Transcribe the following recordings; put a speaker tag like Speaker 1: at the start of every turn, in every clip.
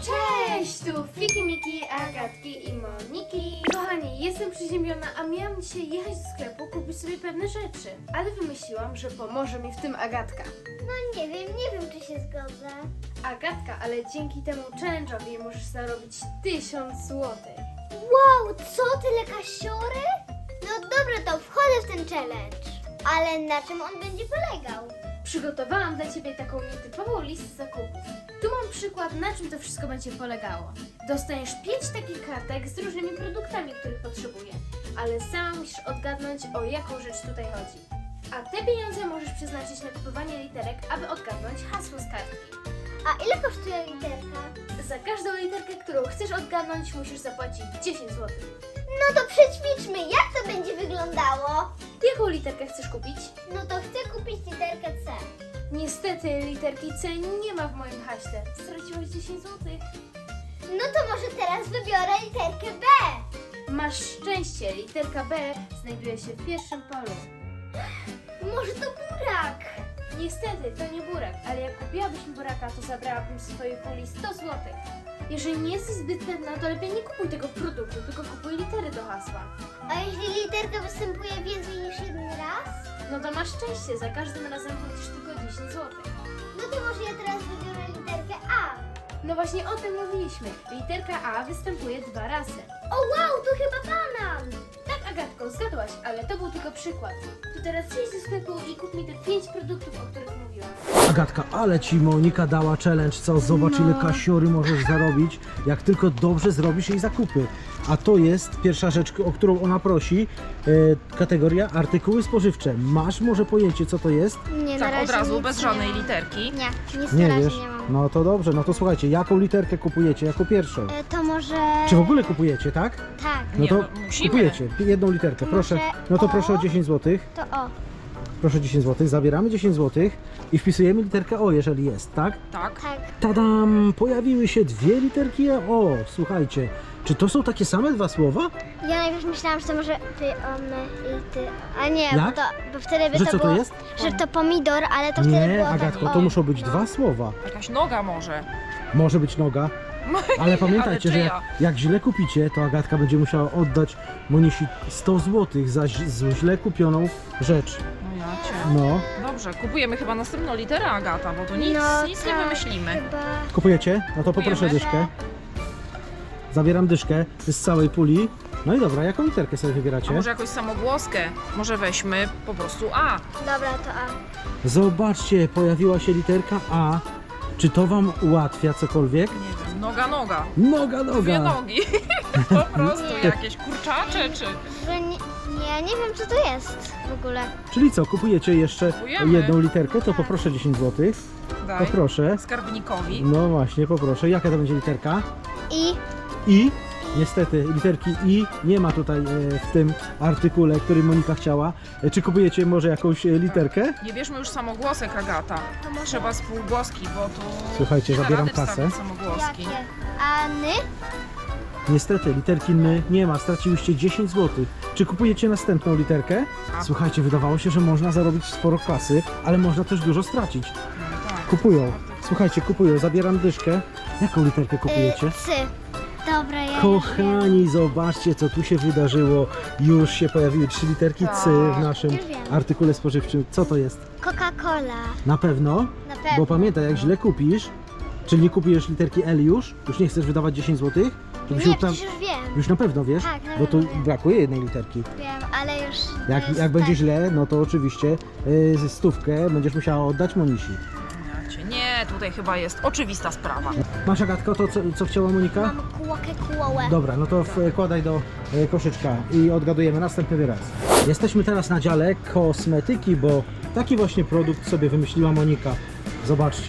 Speaker 1: Cześć, tu Fiki, Miki, Agatki i Moniki. Kochani, jestem przeziębiona, a miałam dzisiaj jechać do sklepu kupić sobie pewne rzeczy. Ale wymyśliłam, że pomoże mi w tym Agatka.
Speaker 2: No nie wiem czy się zgodzę.
Speaker 1: Agatka, ale dzięki temu challenge'owi możesz zarobić 1000 zł.
Speaker 2: Wow, co tyle kasiory? No dobra, to wchodzę w ten challenge. Ale na czym on będzie polegał?
Speaker 1: Przygotowałam dla Ciebie taką nietypową listę zakupów. Tu mam przykład, na czym to wszystko będzie polegało. Dostaniesz 5 takich kartek z różnymi produktami, których potrzebuję, ale sama musisz odgadnąć, o jaką rzecz tutaj chodzi. A te pieniądze możesz przeznaczyć na kupowanie literek, aby odgadnąć hasło z kartki.
Speaker 2: A ile kosztuje literka?
Speaker 1: Za każdą literkę, którą chcesz odgadnąć, musisz zapłacić 10 zł.
Speaker 2: No to przećwiczmy, jak to będzie wyglądało?
Speaker 1: Jaką literkę chcesz kupić?
Speaker 2: No to chcę kupić literkę C.
Speaker 1: Niestety literki C nie ma w moim haśle. Straciłeś 10 zł.
Speaker 2: No to może teraz wybiorę literkę B.
Speaker 1: Masz szczęście, literka B znajduje się w pierwszym polu.
Speaker 2: Może to burak?
Speaker 1: Niestety, to nie burak, ale jak kupiłabyś mi buraka, to zabrałabym z twojej puli 100 zł. Jeżeli nie jesteś zbyt pewna, to lepiej nie kupuj tego produktu, tylko kupuj litery do hasła.
Speaker 2: A jeśli literka występuje więcej niż jeden raz?
Speaker 1: No to masz szczęście, za każdym razem płacisz tylko 10 zł.
Speaker 2: No to może ja teraz wybiorę literkę A.
Speaker 1: No właśnie o tym mówiliśmy. Literka A występuje 2 razy.
Speaker 2: O wow, to chyba banan.
Speaker 1: Tak, Agatko, zgadłaś, ale to był tylko przykład. To teraz idź do sklepu i kup mi te 5 produktów, o których mówiłam.
Speaker 3: Agatka, ale ci Monika dała challenge, co? Zobacz ile kasiory możesz zarobić, jak tylko dobrze zrobisz jej zakupy. A to jest pierwsza rzecz, o którą ona prosi, kategoria artykuły spożywcze. Masz może pojęcie, co to jest?
Speaker 2: Nie,
Speaker 4: Tak od razu, bez żadnej literki.
Speaker 2: Nie, nic
Speaker 3: Nie
Speaker 2: na razie
Speaker 3: wiesz?
Speaker 2: nie mam.
Speaker 3: No to dobrze, no to słuchajcie, jaką literkę kupujecie jako pierwszą?
Speaker 2: To może...
Speaker 3: Czy w ogóle kupujecie, tak?
Speaker 2: Tak,
Speaker 3: No
Speaker 4: Nie,
Speaker 3: to
Speaker 4: no musimy.
Speaker 3: kupujecie jedną literkę,
Speaker 2: To
Speaker 3: proszę.
Speaker 2: może
Speaker 3: No to
Speaker 2: O?
Speaker 3: proszę o 10 zł.
Speaker 2: to o.
Speaker 3: Proszę 10 zł, zabieramy 10 zł i wpisujemy literkę O, jeżeli jest, tak?
Speaker 4: Tak.
Speaker 2: Tak.
Speaker 3: Tadam! Pojawiły się 2 literki O. Słuchajcie, czy to są takie same 2 słowa?
Speaker 2: Ja najpierw myślałam, że to może ty, my i ty. A nie,
Speaker 3: Jak?
Speaker 2: bo wtedy by
Speaker 3: Że
Speaker 2: to
Speaker 3: co
Speaker 2: było...
Speaker 3: to jest?
Speaker 2: Że to pomidor, ale to wtedy
Speaker 3: Nie,
Speaker 2: było
Speaker 3: Agatko,
Speaker 2: tak
Speaker 3: to
Speaker 2: o.
Speaker 3: muszą być 2 słowa.
Speaker 4: Jakaś noga może.
Speaker 3: Może być noga, ale pamiętajcie, że
Speaker 4: czyja?
Speaker 3: jak źle kupicie, to Agatka będzie musiała oddać Monisi 100 zł za źle kupioną rzecz.
Speaker 4: No ja cię.
Speaker 3: No.
Speaker 4: Dobrze, kupujemy chyba następną literę, Agata, bo tu nic,
Speaker 2: No
Speaker 4: nic nie
Speaker 2: tak,
Speaker 4: wymyślimy.
Speaker 2: Chyba...
Speaker 3: Kupujecie? No to poproszę
Speaker 4: Kupujemy.
Speaker 3: dyszkę. Zabieram dyszkę z całej puli. No i dobra, jaką literkę sobie
Speaker 4: A
Speaker 3: wybieracie?
Speaker 4: może jakąś samogłoskę? Może weźmy po prostu A.
Speaker 2: Dobra, to A.
Speaker 3: Zobaczcie, pojawiła się literka A. Czy to wam ułatwia cokolwiek?
Speaker 4: Nie wiem, noga.
Speaker 3: Noga,
Speaker 4: Dwie
Speaker 3: noga!
Speaker 4: nogi. Po prostu
Speaker 2: Nie.
Speaker 4: jakieś kurczacze czy...
Speaker 2: Że nie wiem co to jest w ogóle.
Speaker 3: Czyli co, kupujecie jeszcze
Speaker 4: Kupujemy.
Speaker 3: jedną literkę? To poproszę 10 zł.
Speaker 4: Daj.
Speaker 3: Poproszę.
Speaker 4: Skarbnikowi.
Speaker 3: No właśnie, poproszę. Jaka to będzie literka?
Speaker 2: I...
Speaker 3: I. Niestety, literki I nie ma tutaj w tym artykule, który Monika chciała. Czy kupujecie może jakąś literkę?
Speaker 4: Nie bierzmy już samogłosek, Agata.
Speaker 2: To może...
Speaker 4: Trzeba spółgłoski, bo tu...
Speaker 3: Słuchajcie,
Speaker 4: nie da
Speaker 3: zabieram
Speaker 4: rady
Speaker 3: kasę.
Speaker 4: wstawić samogłoski.
Speaker 2: Jakie? Any?
Speaker 3: Niestety, literki N nie ma. Straciłyście 10 zł. Czy kupujecie następną literkę?
Speaker 4: A.
Speaker 3: Słuchajcie, wydawało się, że można zarobić sporo kasy, ale można też dużo stracić.
Speaker 4: No tak.
Speaker 3: Kupują. Słuchajcie, kupują. Zabieram dyszkę. Jaką literkę kupujecie?
Speaker 2: C. Dobra, ja
Speaker 3: Kochani, zobaczcie, co tu się wydarzyło. Już się pojawiły 3 literki C w naszym
Speaker 2: Już wiem.
Speaker 3: artykule spożywczym. Co to jest?
Speaker 2: Coca-Cola.
Speaker 3: Na pewno?
Speaker 2: Na
Speaker 3: Bo
Speaker 2: pewno.
Speaker 3: pamiętaj, jak źle kupisz, czyli nie kupujesz literki L już nie chcesz wydawać 10 zł, to
Speaker 2: Nie,
Speaker 3: byś
Speaker 2: przecież już wiem.
Speaker 3: już na pewno wiesz,
Speaker 2: Tak, na
Speaker 3: bo tu
Speaker 2: pewno wiem.
Speaker 3: brakuje jednej literki.
Speaker 2: Wiem, ale już... to
Speaker 3: Jak
Speaker 2: jest
Speaker 3: będzie
Speaker 2: tak.
Speaker 3: źle, no to oczywiście stówkę będziesz musiała oddać Monisi.
Speaker 4: Ja cię. Nie, tutaj chyba jest oczywista sprawa.
Speaker 3: Masz, Agatko, to co chciała Monika?
Speaker 2: Mam kółkę.
Speaker 3: Dobra, no to wkładaj do koszyczka i odgadujemy następny wyraz. Jesteśmy teraz na dziale kosmetyki, bo taki właśnie produkt sobie wymyśliła Monika. Zobaczcie.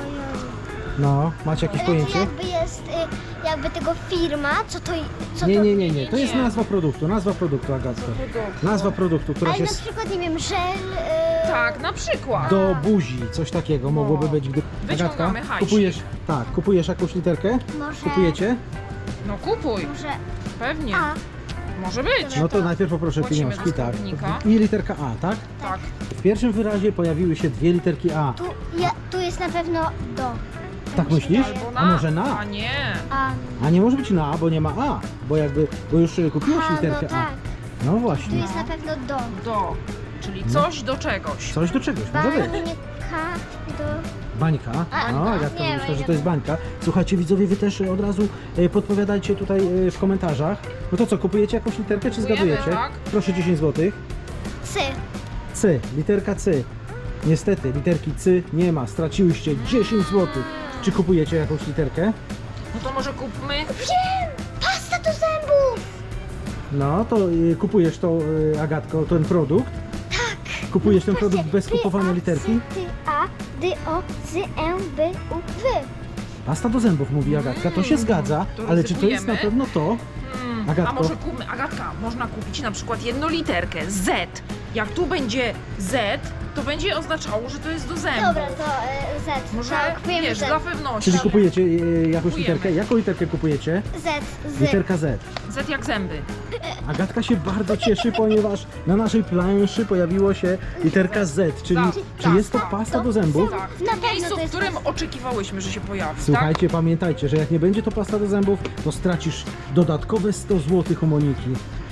Speaker 3: No, macie jakieś
Speaker 2: Ale to
Speaker 3: pojęcie?
Speaker 2: jakby jest, jakby tego firma, co
Speaker 3: Nie,
Speaker 2: to...
Speaker 3: nie, nie, nie. To jest
Speaker 4: nie.
Speaker 3: nazwa produktu, Agatko. Nazwa produktu, która
Speaker 2: Ale
Speaker 3: się
Speaker 2: na przykład, nie wiem, żel...
Speaker 4: Tak, na przykład.
Speaker 3: do buzi, coś takiego mogłoby być, gdy...
Speaker 4: Wyciągamy hajsik.
Speaker 3: kupujesz jakąś literkę?
Speaker 2: Może...
Speaker 3: Kupujecie?
Speaker 4: No kupuj,
Speaker 2: Może...
Speaker 4: pewnie.
Speaker 2: A.
Speaker 4: Może być.
Speaker 3: No to najpierw poproszę
Speaker 4: Płacimy
Speaker 3: pieniążki,
Speaker 4: do
Speaker 3: tak.
Speaker 4: skarbnika.
Speaker 3: I literka A, tak?
Speaker 4: Tak.
Speaker 3: W pierwszym wyrazie pojawiły się 2 literki A.
Speaker 2: Tu jest na pewno do.
Speaker 3: Tak myślisz?
Speaker 4: Albo na.
Speaker 3: A może na?
Speaker 4: A nie.
Speaker 3: A nie może być na A, bo nie ma A. Bo już kupiłaś
Speaker 2: A,
Speaker 3: literkę
Speaker 2: no tak.
Speaker 3: A. No
Speaker 2: Tu
Speaker 3: właśnie.
Speaker 2: jest na pewno do.
Speaker 4: Do. Czyli coś do czegoś.
Speaker 3: Coś do czegoś może być.
Speaker 2: Bańka do...
Speaker 3: Bańka.
Speaker 2: A,
Speaker 3: No,
Speaker 2: no,
Speaker 3: Agatka
Speaker 2: nie,
Speaker 3: myślę,
Speaker 2: bańka.
Speaker 3: że to jest bańka. Słuchajcie, widzowie, wy też od razu podpowiadajcie tutaj w komentarzach. No to co, kupujecie jakąś literkę, czy
Speaker 4: Kupujemy,
Speaker 3: zgadujecie?
Speaker 4: tak.
Speaker 3: Proszę 10 zł.
Speaker 2: Cy.
Speaker 3: C, literka C. Niestety, literki C nie ma. Straciłyście 10 zł. Czy kupujecie jakąś literkę?
Speaker 4: No to może kupmy.
Speaker 2: Wiem! Pasta do zębów!
Speaker 3: No, to kupujesz to, Agatko, ten produkt? Tak. Kupujesz ten produkt bez kupowania literki?
Speaker 2: Ty, A, D, O, Z, E, B, U, W.
Speaker 3: Pasta do zębów, mówi Agatka. To się zgadza,
Speaker 4: to
Speaker 3: ale czy to jest na
Speaker 4: ryzykujemy?
Speaker 3: pewno to?
Speaker 4: A
Speaker 3: Agatko?
Speaker 4: może kupmy, Agatka, można kupić na przykład jedną literkę Z. Jak tu będzie Z, to będzie oznaczało, że to jest do zębów.
Speaker 2: Dobra, to Z.
Speaker 4: Może,
Speaker 2: To kupujemy
Speaker 4: wiesz,
Speaker 2: Z.
Speaker 4: dla pewności.
Speaker 3: Czyli kupujecie jakąś
Speaker 4: Kupujemy.
Speaker 3: literkę? Jaką literkę kupujecie?
Speaker 2: Z.
Speaker 3: Literka Z.
Speaker 4: Z jak zęby.
Speaker 3: Agatka się bardzo cieszy, ponieważ na naszej planszy pojawiło się literka Z, czyli
Speaker 4: Tak,
Speaker 3: czy
Speaker 4: tak,
Speaker 3: jest to
Speaker 4: tak.
Speaker 3: pasta do zębów?
Speaker 4: Tak, w
Speaker 2: Na
Speaker 4: tym
Speaker 2: pewno
Speaker 4: miejscu,
Speaker 2: to
Speaker 4: w
Speaker 2: jest
Speaker 4: którym
Speaker 2: pasta.
Speaker 4: oczekiwałyśmy, że się pojawi.
Speaker 3: Słuchajcie, pamiętajcie, że jak nie będzie to pasta do zębów, to stracisz dodatkowe 100 zł u Moniki.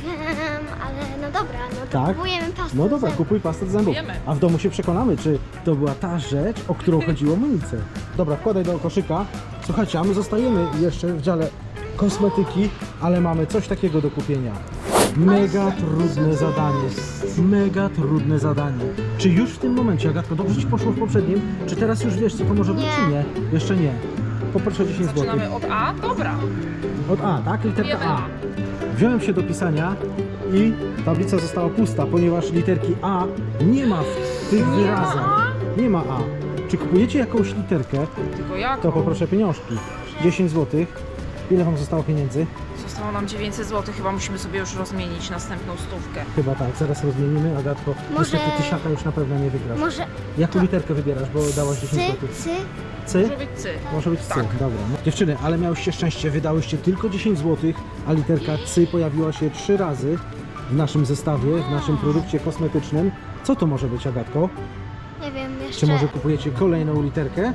Speaker 2: Ale no dobra, no to
Speaker 3: Tak?
Speaker 2: kupujemy pastę
Speaker 3: No
Speaker 2: do
Speaker 3: dobra,
Speaker 2: zębów.
Speaker 3: kupuj pastę do zębów.
Speaker 4: Kupujemy.
Speaker 3: A w domu się przekonamy, czy to była ta rzecz, o którą chodziło Monice. Dobra, wkładaj do koszyka. Słuchajcie, a my zostajemy jeszcze w dziale kosmetyki, ale mamy coś takiego do kupienia. Mega trudne zadanie. Mega trudne zadanie. Czy już w tym momencie, Agatko, dobrze Ci poszło w poprzednim? Czy teraz już wiesz, co to może być, czy nie? Jeszcze nie. Poproszę 10 zł.
Speaker 4: Zaczynamy od A? Dobra.
Speaker 3: Od A, tak? Literka
Speaker 4: Wiemy
Speaker 3: A.
Speaker 4: A.
Speaker 3: Wziąłem się do pisania i tablica została pusta, ponieważ literki A nie ma w tych
Speaker 4: Nie
Speaker 3: wyrazach.
Speaker 4: ma
Speaker 3: Nie ma A. Czy kupujecie jakąś literkę,
Speaker 4: Tylko jak?
Speaker 3: to poproszę pieniążki. 10 zł. Ile Wam zostało pieniędzy?
Speaker 4: Zostało nam 900 zł, chyba musimy sobie już rozmienić następną stówkę.
Speaker 3: Chyba tak, zaraz rozmienimy. Agatko,
Speaker 2: Może-
Speaker 3: niestety tysiaka już na pewno nie wygrasz.
Speaker 2: Może
Speaker 3: Jaką literkę wybierasz, bo dałaś 10
Speaker 2: cy,
Speaker 3: zł?
Speaker 2: cy.
Speaker 3: C?
Speaker 4: Może być C.
Speaker 3: Może być C,
Speaker 4: Tak.
Speaker 3: dobra. No. Dziewczyny, ale miałyście szczęście, wydałyście tylko 10 zł, a literka C pojawiła się 3 razy w naszym zestawie, w naszym produkcie kosmetycznym. Co to może być, Agatko?
Speaker 2: Nie wiem, jeszcze...
Speaker 3: Czy może kupujecie kolejną literkę?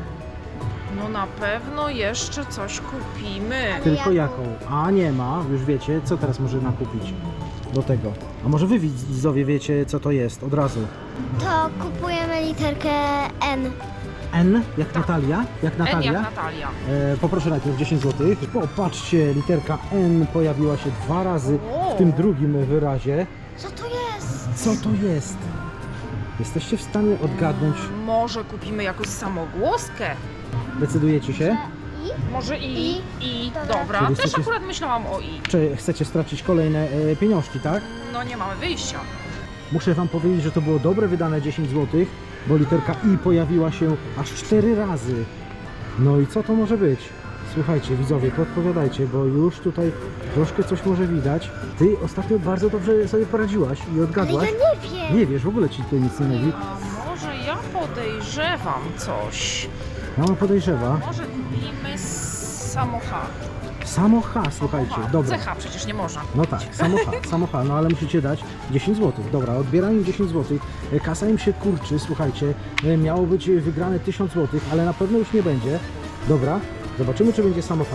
Speaker 4: No na pewno jeszcze coś kupimy.
Speaker 3: Tylko
Speaker 2: jaką?
Speaker 3: jaką? A nie ma, już wiecie, co teraz można kupić do tego. A może wy widzowie wiecie, co to jest od razu?
Speaker 2: To kupujemy literkę N.
Speaker 3: N jak Natalia? Jak
Speaker 4: N
Speaker 3: Natalia?
Speaker 4: jak Natalia.
Speaker 3: Poproszę najpierw 10 zł. Popatrzcie, literka N pojawiła się 2 razy w tym drugim wyrazie.
Speaker 2: Co to jest?
Speaker 3: Co to jest? Jesteście w stanie odgadnąć?
Speaker 4: Może kupimy jakąś samogłoskę?
Speaker 3: Decydujecie się?
Speaker 4: Może I.
Speaker 2: Dobra.
Speaker 4: Dobra.
Speaker 3: Czyli
Speaker 4: Też
Speaker 3: chcecie-
Speaker 4: akurat myślałam o I.
Speaker 3: Czy chcecie stracić kolejne pieniążki, tak?
Speaker 4: No nie mamy wyjścia.
Speaker 3: Muszę Wam powiedzieć, że to było dobre wydane 10 zł, bo literka I pojawiła się aż 4 razy. No i co to może być? Słuchajcie, widzowie, podpowiadajcie, bo już tutaj troszkę coś może widać. Ty ostatnio bardzo dobrze sobie poradziłaś i
Speaker 2: Ale
Speaker 3: odgadłaś.
Speaker 2: ja nie wiem.
Speaker 3: Nie wiesz, w ogóle Ci tutaj nic nie mówi.
Speaker 4: A może ja podejrzewam coś.
Speaker 3: Mama podejrzewa.
Speaker 4: Może kupimy samo H.
Speaker 3: Samo H, słuchajcie, dobra.
Speaker 4: CH przecież nie można.
Speaker 3: No tak, samo H, no ale musicie dać 10 zł. Dobra, odbieram im 10 zł. Kasa im się kurczy, słuchajcie. Miało być wygrane 1000 zł, ale na pewno już nie będzie. Dobra, zobaczymy, czy będzie samo H.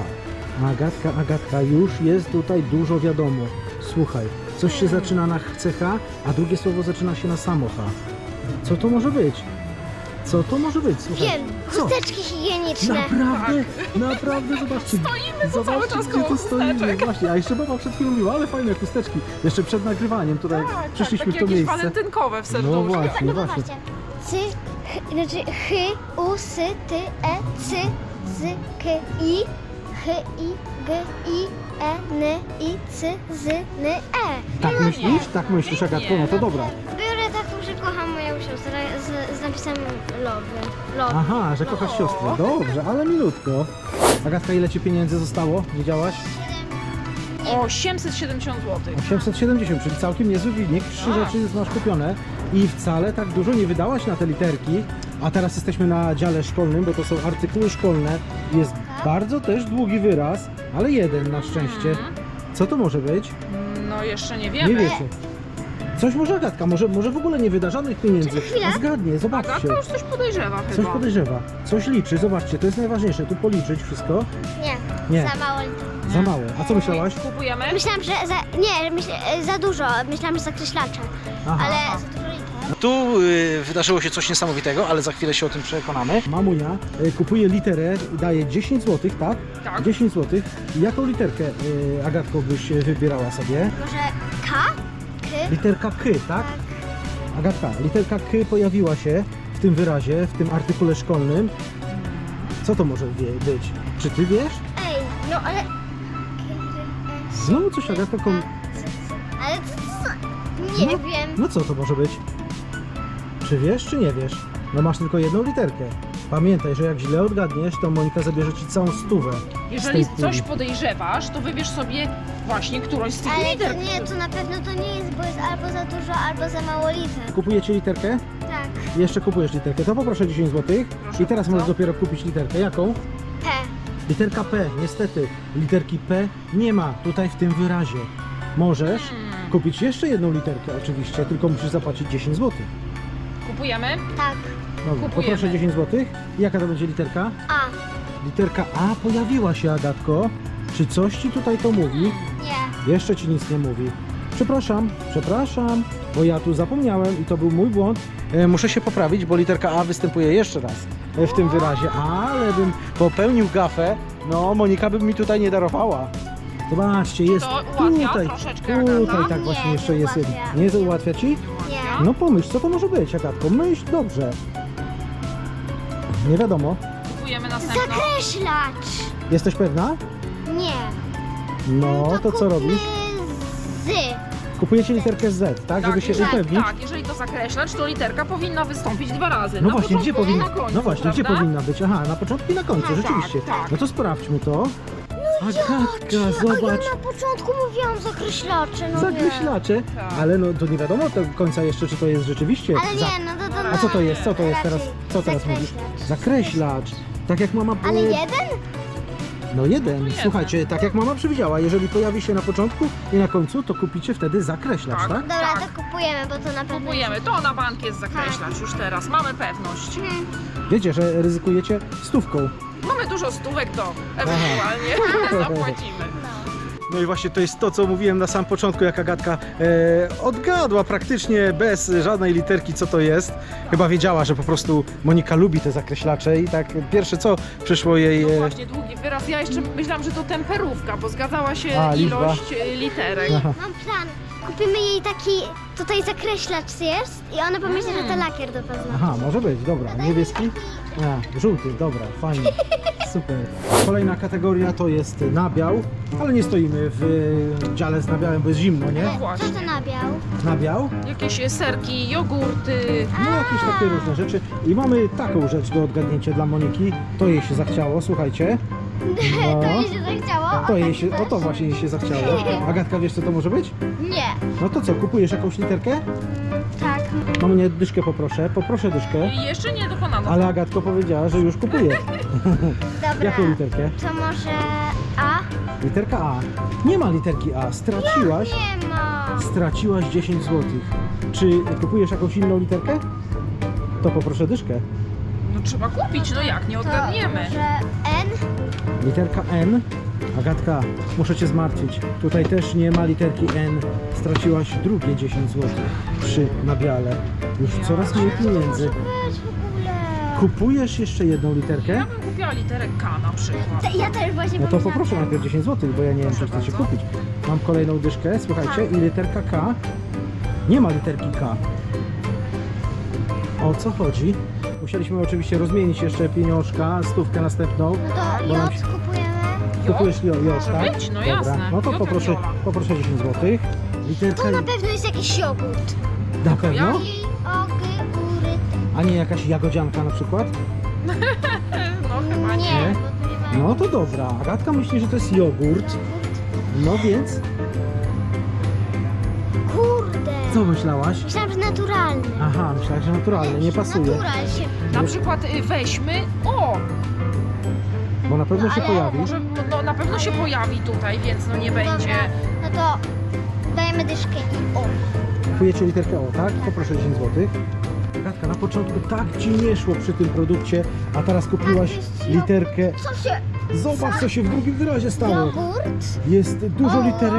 Speaker 3: Agatka, już jest tutaj dużo wiadomo. Słuchaj, coś się zaczyna na CH, a drugie słowo zaczyna się na samo H. Co to może być? Co to może być? Słuchaj.
Speaker 2: Wiem,
Speaker 3: Co?
Speaker 2: chusteczki higieniczne.
Speaker 3: Naprawdę, naprawdę, zobaczcie.
Speaker 4: Stoimy tu cały
Speaker 3: Zobaczcie,
Speaker 4: czas
Speaker 3: gdzie
Speaker 4: koło
Speaker 3: tu stoimy.
Speaker 4: chusteczek.
Speaker 3: Właśnie, a jeszcze baba przed chwilą mówiła, ale fajne chusteczki. Jeszcze przed nagrywaniem tutaj przyszliśmy
Speaker 4: takie
Speaker 3: w to
Speaker 4: jakieś
Speaker 3: miejsce.
Speaker 4: walentynkowe w
Speaker 3: No
Speaker 4: serduszku.
Speaker 3: właśnie,
Speaker 2: No
Speaker 3: właśnie.
Speaker 2: zobaczcie. Cy, znaczy u, sy, ty, cy, z, k, i, i, g, i, n, i, cy, z, n,
Speaker 3: Tak myślisz? Tak myślisz, Agatko? No to dobra.
Speaker 2: Biorę taką, że kocham moją siostrę z napisem love.
Speaker 3: Aha, że kochasz siostrę. Dobrze, ale minutko. Agatka, ile ci pieniędzy zostało? Wiedziałaś?
Speaker 4: 870 zł.
Speaker 3: 870, czyli całkiem niezły wynik. 3
Speaker 4: Tak.
Speaker 3: rzeczy już masz kupione i wcale tak dużo nie wydałaś na te literki. A teraz jesteśmy na dziale szkolnym, bo to są artykuły szkolne. Jest bardzo też długi wyraz, ale jeden na szczęście. Co to może być?
Speaker 4: No jeszcze nie
Speaker 3: Nie
Speaker 4: wiemy.
Speaker 3: wiecie. Coś może Agatka, może w ogóle nie wyda żadnych pieniędzy.
Speaker 2: Chwilę.
Speaker 3: A zgadnie, zobaczcie.
Speaker 4: Agatka już coś podejrzewa
Speaker 3: Coś
Speaker 4: chyba.
Speaker 3: podejrzewa, coś liczy, zobaczcie, to jest najważniejsze, tu policzyć wszystko.
Speaker 2: Nie,
Speaker 3: Nie,
Speaker 2: za mało liter.
Speaker 3: za mało. A co myślałaś?
Speaker 4: Kupujemy?
Speaker 2: Myślałam, że za dużo. Myślałam, że zakreślacze.
Speaker 3: Aha.
Speaker 2: Ale za dużo liter.
Speaker 3: Tu wydarzyło się coś niesamowitego, ale za chwilę się o tym przekonamy. Mamunia kupuje literę i daje 10 zł, tak?
Speaker 4: Tak.
Speaker 3: 10 zł. Jaką literkę, Agatko, byś wybierała sobie?
Speaker 2: Może K? K?
Speaker 3: Literka K, tak? Agatka, literka K pojawiła się w tym wyrazie, w tym artykule szkolnym. Co to może być? Czy ty wiesz?
Speaker 2: Ej, no ale...
Speaker 3: Znowu coś, Agatka,
Speaker 2: Ale co? Nie
Speaker 3: No.
Speaker 2: wiem.
Speaker 3: No co to może być? Czy wiesz, czy nie wiesz? No masz tylko jedną literkę. Pamiętaj, że jak źle odgadniesz, to Monika zabierze ci całą stówę.
Speaker 4: Jeżeli
Speaker 3: z tej
Speaker 4: coś
Speaker 3: puli.
Speaker 4: podejrzewasz, to wybierz sobie właśnie którąś z tych
Speaker 2: Ale
Speaker 4: liter.
Speaker 2: to nie, to na pewno to nie jest, bo jest albo za dużo, albo za mało liter.
Speaker 3: Kupujecie literkę?
Speaker 2: Tak.
Speaker 3: Jeszcze kupujesz literkę, to poproszę 10 zł.
Speaker 4: Proszę
Speaker 3: I teraz
Speaker 4: bardzo.
Speaker 3: możesz dopiero kupić literkę. Jaką?
Speaker 2: P.
Speaker 3: Literka P, niestety. Literki P nie ma tutaj w tym wyrazie. Możesz kupić jeszcze jedną literkę oczywiście, tylko musisz zapłacić 10 zł.
Speaker 4: Kupujemy?
Speaker 2: Tak.
Speaker 3: Dobra,
Speaker 4: Kupujemy.
Speaker 3: poproszę 10 zł. Jaka to będzie literka?
Speaker 2: A.
Speaker 3: Literka A pojawiła się, Agatko. Czy coś ci tutaj to mówi?
Speaker 2: Nie.
Speaker 3: Jeszcze ci nic nie mówi. Przepraszam, bo ja tu zapomniałem i to był mój błąd. Muszę się poprawić, bo literka A występuje jeszcze raz w tym wyrazie, ale bym popełnił gafę, no Monika by mi tutaj nie darowała. Zobaczcie, jest
Speaker 4: To ułatwia
Speaker 3: tutaj,
Speaker 4: troszeczkę,
Speaker 3: tutaj
Speaker 4: Agata?
Speaker 3: tak
Speaker 2: Nie,
Speaker 3: właśnie
Speaker 2: nie
Speaker 3: jeszcze jest jeden.
Speaker 2: ułatwia.
Speaker 3: Nie ułatwia ci?
Speaker 2: Nie.
Speaker 3: No pomyśl, co to może być, Agatko, myśl dobrze. Nie wiadomo.
Speaker 4: Kupujemy następną.
Speaker 2: Zakreślacz.
Speaker 3: Jesteś pewna?
Speaker 2: Nie.
Speaker 3: No, to co robisz?
Speaker 2: Z.
Speaker 3: Kupujecie literkę Z, tak? Żeby się upewnić.
Speaker 4: Tak, jeżeli to zakreślacz, to literka powinna wystąpić 2 razy.
Speaker 3: No
Speaker 4: na
Speaker 3: właśnie, gdzie
Speaker 4: początku i
Speaker 3: powinna?
Speaker 4: na końcu,
Speaker 3: No właśnie, gdzie
Speaker 4: prawda?
Speaker 3: powinna być? Aha, na początku i na końcu,
Speaker 4: Tak,
Speaker 3: rzeczywiście.
Speaker 4: tak.
Speaker 3: No to sprawdźmy to. Agatka,
Speaker 2: A
Speaker 3: zobacz.
Speaker 2: ja na początku mówiłam zakreślacze, no
Speaker 3: Zakreślacze,
Speaker 4: Tak.
Speaker 3: ale no to nie wiadomo do końca jeszcze, czy to jest rzeczywiście.
Speaker 2: Ale nie, no to...
Speaker 3: A co to jest? Co to jest teraz?
Speaker 2: raczej
Speaker 3: Co teraz mówisz?
Speaker 2: zakreślacz.
Speaker 3: Zakreślacz. Tak jak mama.
Speaker 2: Ale jeden?
Speaker 3: No jeden.
Speaker 4: jeden.
Speaker 3: Słuchajcie, tak jak mama przewidziała, jeżeli pojawi się na początku i na końcu, to kupicie wtedy zakreślacz,
Speaker 4: Tak.
Speaker 3: tak?
Speaker 2: Dobra,
Speaker 4: Tak.
Speaker 2: to kupujemy, bo to na pewno...
Speaker 4: Kupujemy. To na bank jest zakreślacz już teraz. Mamy pewność.
Speaker 3: Wiecie, że ryzykujecie stówką.
Speaker 4: Mamy dużo stówek, to ewentualnie zapłacimy.
Speaker 3: No i właśnie to jest to, co mówiłem na sam początku, jak Agatka odgadła praktycznie bez żadnej literki, co to jest. Chyba wiedziała, że po prostu Monika lubi te zakreślacze i tak pierwsze co przyszło jej...
Speaker 4: No właśnie, długi wyraz. Ja jeszcze myślałam, że to temperówka, bo zgadzała się
Speaker 3: A, liczba.
Speaker 4: ilość literek.
Speaker 3: Aha.
Speaker 2: Mam plan. Kupimy jej taki... Tutaj zakreślacz jest i ona pomyśli, że to lakier do paznokci.
Speaker 3: Aha, może być, dobra. Niebieski? A, żółty, dobra, fajnie. Super. Kolejna kategoria to jest nabiał, ale nie stoimy w dziale z nabiałem, bo jest zimno, nie?
Speaker 2: Co
Speaker 4: właśnie.
Speaker 2: to nabiał?
Speaker 3: Nabiał?
Speaker 4: Jakieś serki, jogurty.
Speaker 3: No jakieś takie różne rzeczy. I mamy taką rzecz do odgadnięcia dla Moniki. To jej się zachciało, słuchajcie. No.
Speaker 2: To jej się zachciało?
Speaker 3: To jej się, o to właśnie jej się zachciało. Agatka, wiesz co to może być?
Speaker 2: Nie.
Speaker 3: No to co, kupujesz jakąś literkę?
Speaker 2: Tak.
Speaker 3: Mamunie, dyszkę poproszę dyszkę.
Speaker 4: I jeszcze nie dokonano.
Speaker 3: Ale Agatko powiedziała, że już kupuje.
Speaker 2: Dobra.
Speaker 3: Jaką literkę?
Speaker 2: To może A?
Speaker 3: Literka A. Nie ma literki A. Straciłaś.
Speaker 2: Nie ma.
Speaker 3: Straciłaś 10 zł. Czy kupujesz jakąś inną literkę? To poproszę dyszkę.
Speaker 4: No trzeba kupić, no jak, nie
Speaker 2: To
Speaker 4: odgadniemy.
Speaker 2: może N?
Speaker 3: Literka N. Agatka, muszę cię zmartwić. Tutaj też nie ma literki N. Straciłaś drugie 10 zł przy nabiale. Już coraz mniej pieniędzy.
Speaker 2: Weź w ogóle.
Speaker 3: Kupujesz jeszcze jedną literkę?
Speaker 4: Ja bym kupiła literę K na przykład.
Speaker 2: Ja też właśnie
Speaker 3: No to
Speaker 2: pomyślałam.
Speaker 3: poproszę najpierw 10 zł, bo ja nie wiem, czy chcecie
Speaker 4: bardzo.
Speaker 3: kupić. Mam kolejną dyszkę, słuchajcie, i literka K. Nie ma literki K. O co chodzi? Musieliśmy oczywiście rozmienić jeszcze pieniążka, stówkę następną.
Speaker 2: No to
Speaker 3: Bo nam
Speaker 2: J
Speaker 3: się-
Speaker 2: kupujemy.
Speaker 3: Kupujesz J,
Speaker 4: Może
Speaker 3: tak?
Speaker 4: być, no
Speaker 3: Dobra.
Speaker 4: jasne.
Speaker 3: No to
Speaker 4: J
Speaker 3: poproszę,
Speaker 4: Jola.
Speaker 3: poproszę 10 zł. Literka
Speaker 2: To na pewno jest jakiś jogurt.
Speaker 3: na pewno?
Speaker 2: J, O, G, U, R,
Speaker 3: A nie jakaś jagodzianka na przykład?
Speaker 4: No chyba nie.
Speaker 3: Nie?
Speaker 2: bo tu nie ma
Speaker 3: No to dobra. Agatka myśli, że to jest jogurt. No więc,
Speaker 2: Kurde.
Speaker 3: co myślałaś?
Speaker 2: Myślałam, że naturalny.
Speaker 3: Aha, myślałaś, że naturalnie, nie pasuje.
Speaker 2: Natural się...
Speaker 4: Na przykład weźmy, o,
Speaker 3: Bo na pewno się
Speaker 2: ale
Speaker 3: pojawi.
Speaker 4: może no, na pewno się pojawi tutaj, więc no nie
Speaker 2: Dobra,
Speaker 4: będzie.
Speaker 2: no to Dajemy dyszkę i o.
Speaker 3: Kupujecie literkę O, tak? Poproszę 10 zł. Agatka, na początku tak ci nie szło przy tym produkcie, a teraz kupiłaś literkę.
Speaker 2: Co się?
Speaker 3: Zobacz, co się w drugim wyrazie stało.
Speaker 2: Jogurt?
Speaker 3: Jest dużo literek.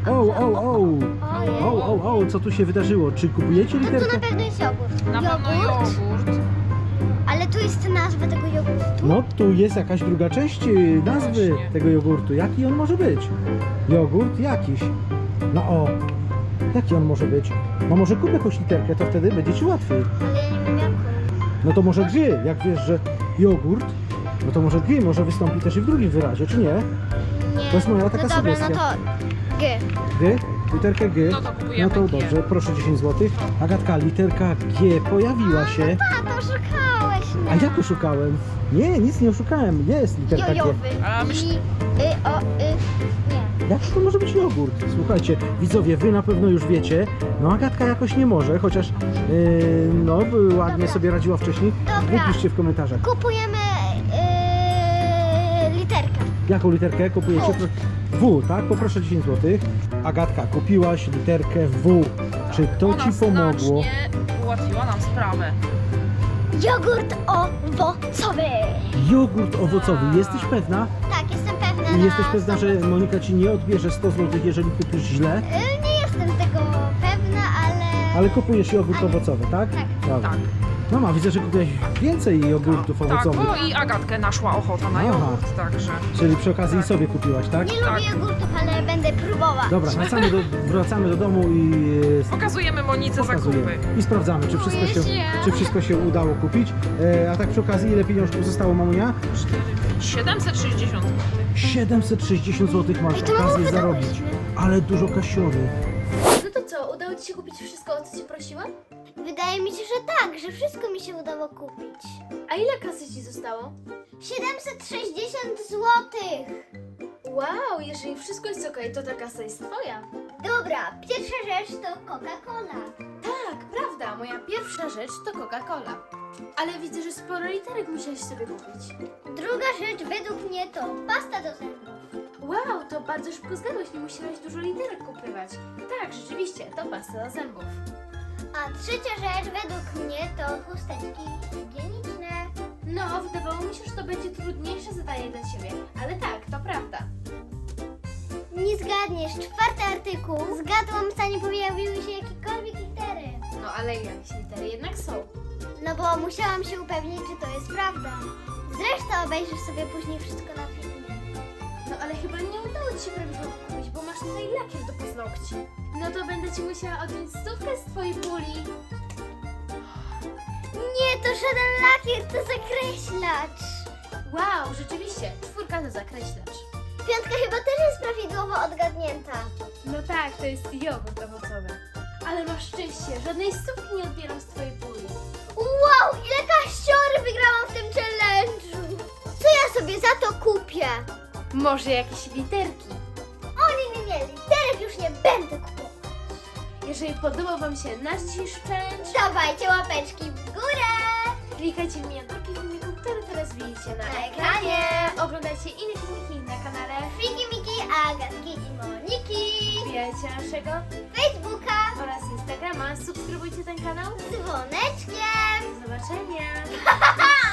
Speaker 2: Ojej.
Speaker 3: Co tu się wydarzyło? Czy kupujecie
Speaker 2: To tu
Speaker 3: literkę?
Speaker 2: na pewno jest jogurt.
Speaker 4: Na pewno jogurt.
Speaker 2: Ale tu jest nazwa tego jogurtu.
Speaker 3: No, tu jest jakaś druga część nazwy
Speaker 4: Właśnie.
Speaker 3: tego jogurtu. Jaki on może być? Jogurt jakiś. No o, jaki on może być? No może kup jakąś literkę, to wtedy będzie ci łatwiej.
Speaker 2: Ale ja nie wiem jaką.
Speaker 3: No to może G, jak wiesz, że jogurt, no to może G może wystąpi też i w drugim wyrazie, czy nie?
Speaker 2: Nie.
Speaker 3: To jest moja taka
Speaker 2: no dobra,
Speaker 3: sugestia.
Speaker 2: no to G.
Speaker 3: G? Literkę G?
Speaker 4: No to kupujemy
Speaker 3: No to
Speaker 4: G.
Speaker 3: dobrze, proszę 10 zł. Agatka, literka G pojawiła się.
Speaker 2: A, to oszukałeś mnie.
Speaker 3: A jak oszukałem? Nie, nic nie oszukałem. Jest literka G.
Speaker 2: Jojowy.
Speaker 4: A myśl-
Speaker 2: Nie.
Speaker 3: Jak to może być jogurt? Słuchajcie, widzowie, wy na pewno już wiecie. No Agatka jakoś nie może, chociaż no ładnie
Speaker 2: Dobra.
Speaker 3: sobie radziła wcześniej.
Speaker 2: Dobra.
Speaker 3: Wypiszcie w komentarzach.
Speaker 2: Kupujemy literkę.
Speaker 3: Jaką literkę kupujecie? W, tak? Poproszę 10 zł. Agatka, kupiłaś literkę W. Czy to
Speaker 4: Ona
Speaker 3: ci pomogło?
Speaker 4: znacznie ułatwiła nam sprawę.
Speaker 2: Jogurt owocowy.
Speaker 3: Jogurt owocowy. Jesteś pewna?
Speaker 2: Tak, jestem pewna.
Speaker 3: I
Speaker 2: na
Speaker 3: jesteś pewna, że
Speaker 2: 100%.
Speaker 3: Monika ci nie odbierze 100 zł, jeżeli kupisz źle?
Speaker 2: Nie jestem tego pewna, ale...
Speaker 3: Ale kupujesz jogurt owocowy, tak?
Speaker 2: Tak.
Speaker 3: Dobra.
Speaker 4: Tak.
Speaker 3: No ma, widzę, że kupiłeś więcej jogurtów
Speaker 4: Tak,
Speaker 3: owocowych.
Speaker 4: bo i Agatkę naszła ochota na
Speaker 3: Aha.
Speaker 4: jogurt, także.
Speaker 3: Czyli przy okazji sobie kupiłaś, tak?
Speaker 2: Nie
Speaker 4: Tak.
Speaker 2: lubię jogurtów, ale będę próbować.
Speaker 3: Dobra, wracamy do domu i
Speaker 4: Pokazujemy Monice
Speaker 3: pokazujemy.
Speaker 4: zakupy.
Speaker 3: I sprawdzamy, czy wszystko się udało kupić. A tak przy okazji, ile pieniążków zostało, mamunia?
Speaker 4: 760 zł.
Speaker 3: 760 zł masz
Speaker 2: Ej, to mało
Speaker 3: okazję
Speaker 2: wydałyśmy.
Speaker 3: zarobić. Ale dużo kasiory.
Speaker 1: No to co, udało ci się kupić wszystko, o co cię prosiłam?
Speaker 2: Wydaje mi się, że tak, że wszystko mi się udało kupić.
Speaker 1: A ile kasy ci zostało?
Speaker 2: 760 zł.
Speaker 1: Wow, jeżeli wszystko jest okej, to ta kasa jest twoja.
Speaker 2: Dobra, pierwsza rzecz to Coca-Cola.
Speaker 1: Tak, prawda, moja pierwsza rzecz to Coca-Cola. Ale widzę, że sporo literek musiałeś sobie kupić.
Speaker 2: Druga rzecz według mnie to pasta do zębów.
Speaker 1: Wow, to bardzo szybko zgadłeś, nie musiałeś dużo literek kupywać. Tak, rzeczywiście, to pasta do zębów.
Speaker 2: A trzecia rzecz według mnie to chusteczki higieniczne.
Speaker 1: No, wydawało mi się, że to będzie trudniejsze zadanie dla ciebie, ale tak, to prawda.
Speaker 2: Nie zgadniesz, czwarty artykuł. Zgadłam, zanim pojawiły się jakiekolwiek litery.
Speaker 1: No, ale jakieś litery jednak są.
Speaker 2: No bo musiałam się upewnić, czy to jest prawda. Zresztą obejrzysz sobie później wszystko na filmie.
Speaker 1: No, ale chyba nie udało ci się prawidłowo kupić, bo masz tutaj lakier do paznokci. No to będę ci musiała odjąć 100 z twojej puli.
Speaker 2: Nie, to żaden lakier, to zakreślacz.
Speaker 1: Wow, rzeczywiście, 4 to zakreślacz.
Speaker 2: Piątka chyba też jest prawidłowo odgadnięta.
Speaker 1: No tak, to jest jogurt owocowy. Ale masz szczęście, żadnej 100 nie odbieram z twojej puli.
Speaker 2: Wow, ile kaściory wygrałam w tym challenge'u. Co ja sobie za to kupię?
Speaker 1: Może jakieś literki.
Speaker 2: Nie, literek już nie będę kupować.
Speaker 1: Jeżeli podobał wam się nasz dzisiejszy challenge,
Speaker 2: Dawajcie łapeczki w górę.
Speaker 1: klikajcie w miniaturki filmiku, które teraz widzicie na
Speaker 2: Na
Speaker 1: ekranie.
Speaker 2: ekranie.
Speaker 1: Oglądajcie inne filmiki na kanale.
Speaker 2: Fiki, Miki, Agatki i Moniki.
Speaker 1: Wbijajcie naszego
Speaker 2: Facebooka
Speaker 1: oraz Instagrama. Subskrybujcie ten kanał.
Speaker 2: z dzwoneczkiem.
Speaker 1: Do zobaczenia.